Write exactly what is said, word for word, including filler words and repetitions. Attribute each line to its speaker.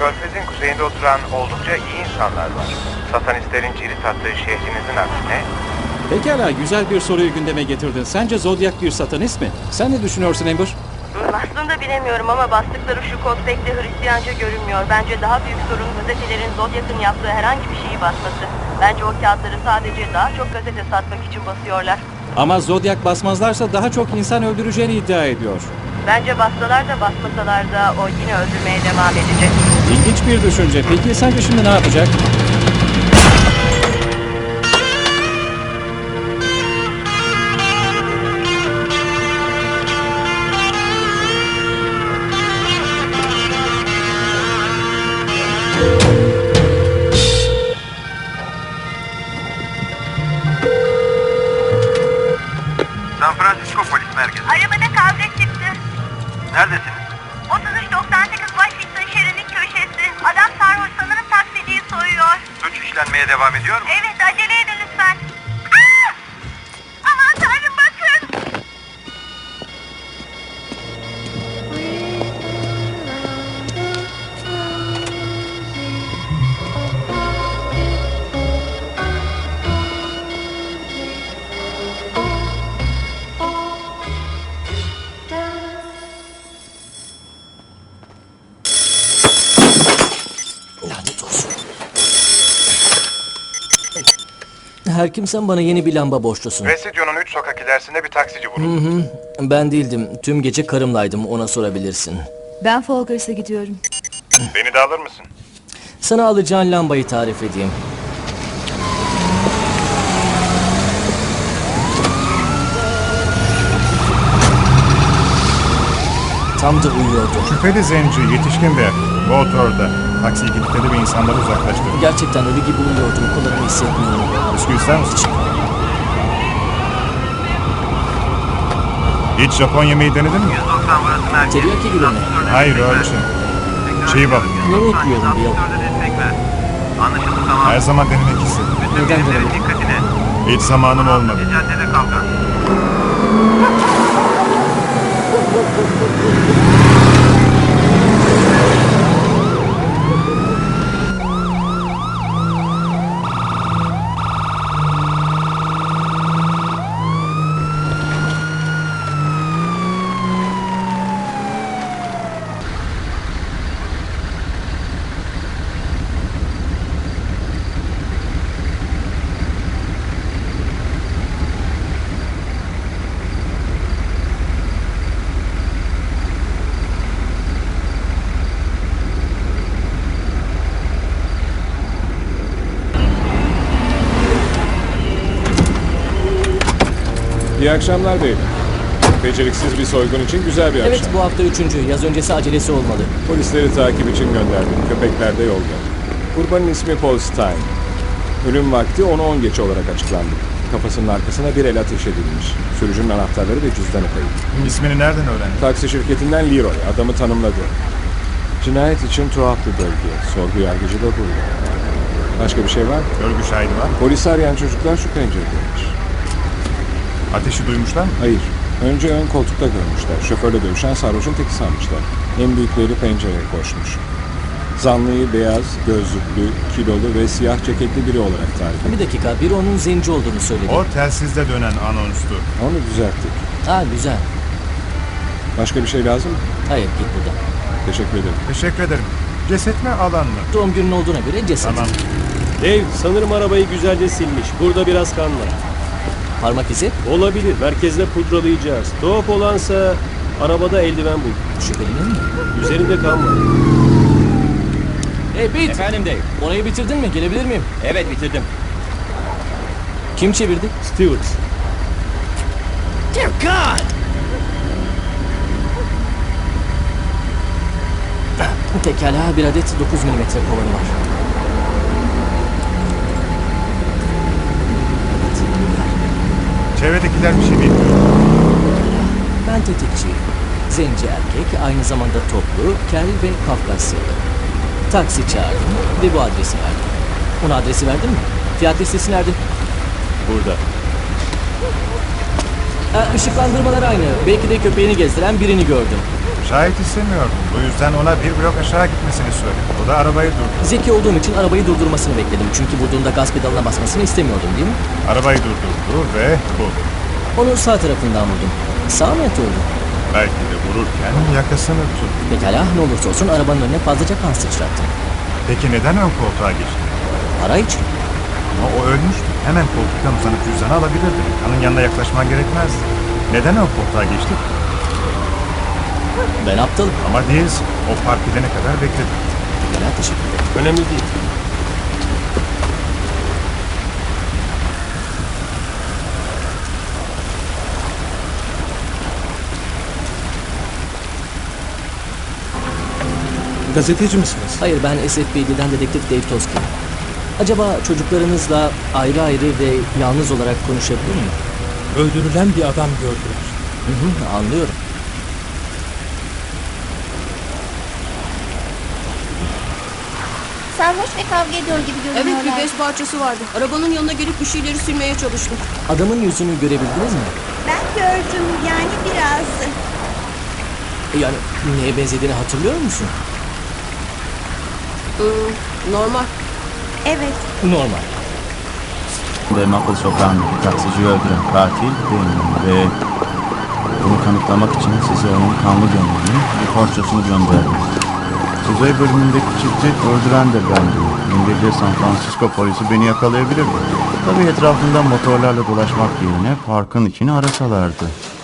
Speaker 1: Körfez'in kuzeyinde oturan oldukça iyi insanlar var. Satanistlerin cirit attığı şehrinizin aksine.
Speaker 2: Pekala, güzel bir soruyu gündeme getirdin. Sence Zodiac bir satanist mi? Sen ne düşünüyorsun Amber?
Speaker 3: Aslında bilemiyorum ama bastıkları şu kod pek de Hristiyanca görünmüyor. Bence daha büyük sorun gazetelerin Zodiac'ın yaptığı herhangi bir şeyi basması. Bence o kağıtları sadece daha çok gazete satmak için basıyorlar.
Speaker 2: Ama Zodiac basmazlarsa daha çok insan öldüreceğini iddia ediyor.
Speaker 3: Bence bassalar da basmasalar da o yine öldürmeye devam edecek.
Speaker 2: İlginç bir düşünce. Peki sence şimdi ne yapacak?
Speaker 1: San Francisco Polis Merkezi.
Speaker 3: Arabada kavga çıktı.
Speaker 1: Neredesiniz?
Speaker 3: otuz üç doksan sekiz Washington şeridinin köşesi. Adam sarhoş, sanırım taksiciyi soyuyor.
Speaker 1: Suç işlenmeye devam ediyor mu?
Speaker 3: Evet, acele edin lütfen. Aa! Aman tanrım, bakın.
Speaker 4: Lanet olsun. Her kimsen bana yeni bir lamba borçlusun.
Speaker 1: Residio'nun üç sokak ilerisinde bir taksici vuruldu.
Speaker 4: Ben değildim. Tüm gece karımlaydım. Ona sorabilirsin.
Speaker 5: Ben Folgers'a gidiyorum.
Speaker 1: Beni de alır mısın?
Speaker 4: Sana alacağın lambayı tarif edeyim. Tam da uyuyordu.
Speaker 6: Şüpheli zenci, yetişkin bir erkek. Motorda. Taksiyi kilitledi ve insanları uzaklaştırdı.
Speaker 4: Gerçekten ölü gibi uyuyordum. Kollarımı hissetmiyorum.
Speaker 6: Bisküvi ister misin? Hiç Japon yemeği denedin mi?
Speaker 4: Teriyaki gibi mi?
Speaker 6: Hayır öyle şey. Çiğ balık.
Speaker 4: Yeni ekliyorum bir yıl.
Speaker 1: Anlaşıldı, tamam.
Speaker 6: Her zaman denemek istedim.
Speaker 4: Neden denemek?
Speaker 1: Dikkatine.
Speaker 6: Hiç zamanım olmadı.
Speaker 1: Caddede kalkan.
Speaker 7: İyi akşamlar beyler. Beceriksiz bir soygun için güzel bir
Speaker 4: Evet,
Speaker 7: akşam.
Speaker 4: bu hafta üçüncü. Yaz öncesi acelesi olmalı.
Speaker 7: Polisleri takip için gönderdim. Köpekler de yolda. Kurbanın ismi Paul Stein. Ölüm vakti ona on geçe olarak açıklandı. Kafasının arkasına bir el ateş edilmiş. Sürücünün anahtarları ve cüzdanı kayıp.
Speaker 6: İsmini nereden öğrendin?
Speaker 7: Taksi şirketinden Leroy adamı tanımladı. Cinayet için tuhaf bir bölge. Sorgu yargıcı da burada. Başka bir şey var mı?
Speaker 6: Görgü şahidi var.
Speaker 7: Polisi arayan çocuklar şu penceredeymiş.
Speaker 6: Ateşi duymuşlar mı?
Speaker 7: Hayır. Önce ön koltukta görmüşler. Şoförle dövüşen sarhoşun teki sanmışlar. En büyükleri pencereye koşmuş. Zanlıyı beyaz, gözlüklü, kilolu ve siyah ceketli biri olarak tarif etti.
Speaker 4: Bir dakika, biri onun zenci olduğunu söyledi.
Speaker 6: O telsizde dönen anonstu.
Speaker 7: Onu düzelttik.
Speaker 4: Ha, güzel.
Speaker 7: Başka bir şey lazım mı?
Speaker 4: Hayır, git buradan.
Speaker 7: Teşekkür ederim.
Speaker 6: Teşekkür ederim. Ceset mi alan mı?
Speaker 4: Doğum günün olduğuna göre ceset.
Speaker 6: Tamam.
Speaker 8: Dave, sanırım arabayı güzelce silmiş. Burada biraz kan var.
Speaker 4: Parmak izi?
Speaker 8: Olabilir. Merkezde pudralayacağız. Tuhaf olansa arabada eldiven bulduk.
Speaker 4: Şüphelinin mi?
Speaker 8: Üzerinde kan var.
Speaker 4: Hey Pete!
Speaker 9: Efendim Dave.
Speaker 4: Orayı bitirdin mi? Gelebilir miyim?
Speaker 9: Evet, bitirdim.
Speaker 4: Kim çevirdi?
Speaker 8: Stewart.
Speaker 4: Dear God! Pekala, bir adet dokuz milimetre kovanı var. Evet, bunlar.
Speaker 6: Çevredekiler bir şey bilmiyor.
Speaker 4: Ben tetikçiyim. Zenci erkek, aynı zamanda toplu, kel ve Kafkasyalı. Taksi çağırdım ve bu adresi verdim. Ona adresi verdin mi? Fiyat listesi nerede?
Speaker 8: Burada.
Speaker 4: Ha, ışıklandırmalar aynı. Belki de köpeğini gezdiren birini gördüm.
Speaker 6: Şahit istemiyordum. Bu yüzden ona bir blok aşağı gitmesini söyledim. O da arabayı durdurdu.
Speaker 4: Zeki olduğum için arabayı durdurmasını bekledim. Çünkü vurduğunda gaz pedalına basmasını istemiyordum değil mi?
Speaker 6: Arabayı durdurdu ve bu.
Speaker 4: Onu sağ tarafından vurdum. Sağ mı oldu?
Speaker 6: Belki de vururken yakasını tuttu.
Speaker 4: Pekala ne olursa olsun arabanın önüne fazlaca kan sıçrattım.
Speaker 6: Peki neden ön koltuğa geçti?
Speaker 4: Para için.
Speaker 6: Ama o ölmüştü. Hemen koltuktan uzanıp cüzdanı alabilirdi. Kanın yanına yaklaşman gerekmezdi. Neden ön koltuğa geçti?
Speaker 4: Ben aptalım.
Speaker 6: Ama değilsin. O park edene kadar bekledim.
Speaker 4: Pekala teşekkür ederim.
Speaker 8: Önemli değil.
Speaker 2: Gazeteci misiniz?
Speaker 4: Hayır ben S F B D'den dedektif Dave Toski. Acaba çocuklarınızla ayrı ayrı ve yalnız olarak konuşabilir miyim?
Speaker 9: Öldürülen bir adam gördüler.
Speaker 4: Hı hı, anlıyorum.
Speaker 10: Sarhoş ve kavga ediyor gibi görünüyorlar.
Speaker 11: Evet bir bez parçası vardı. Arabanın yanına gelip bir şeyleri sürmeye çalıştım.
Speaker 4: Adamın yüzünü görebildiniz mi?
Speaker 10: Ben gördüm yani biraz.
Speaker 4: Yani neye benzediğini hatırlıyor musun?
Speaker 11: Hmm, normal.
Speaker 10: Evet.
Speaker 4: Normal.
Speaker 12: Ve Maple Sokağı'ndaki taksiciyi öldüren katil benim ve bunu kanıtlamak için size onun kanlı gömleğini bir porçosunu gönderdim. Kuzey bölümündeki çifti öldüren de bendim. Dün gece San Francisco polisi beni yakalayabilirdi. Tabii etrafında motorlarla dolaşmak yerine parkın içini arasalardı.